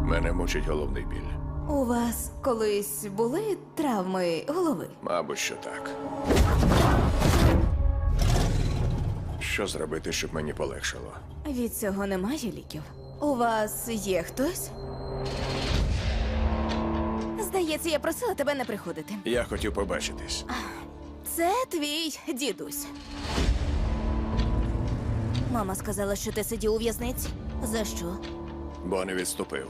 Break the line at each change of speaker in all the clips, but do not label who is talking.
Мене мучить головний біль.
У вас колись були травми голови?
Мабуть, що так. Що зробити, щоб мені полегшало?
Від цього немає ліків. У вас є хтось? Здається, я просила тебе не приходити.
Я хотів побачитись.
Це твій дідусь. Мама сказала, що ти сидів у в'язниці. За що?
Бо не відступив.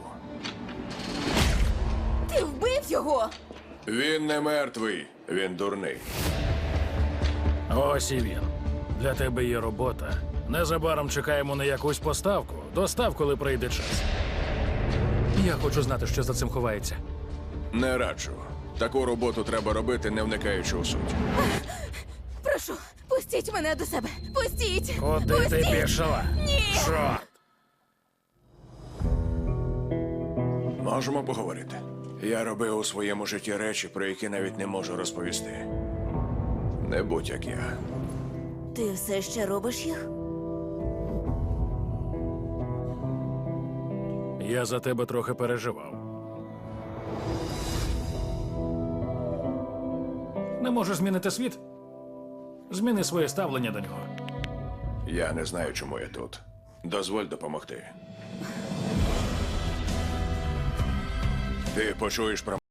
Ти вбив його!
Він не мертвий, він дурний.
Ось і він. Для тебе є робота. Незабаром чекаємо на якусь поставку. Достав, коли прийде час. Я хочу знати, що за цим ховається.
Не раджу. Таку роботу треба робити, не вникаючи у суть.
Прошу, пустіть мене до себе! Пустіть!
Куди ти
Пустіть!
пішла?
Ні!
Чорт!
Можемо поговорити. Я робив у своєму житті речі, про які навіть не можу розповісти. Не будь як я.
Ти все ще робиш їх?
Я за тебе трохи переживав. Не можеш змінити світ? Зміни своє ставлення до нього.
Я не знаю, чому я тут. Дозволь допомогти. Ти почуєш про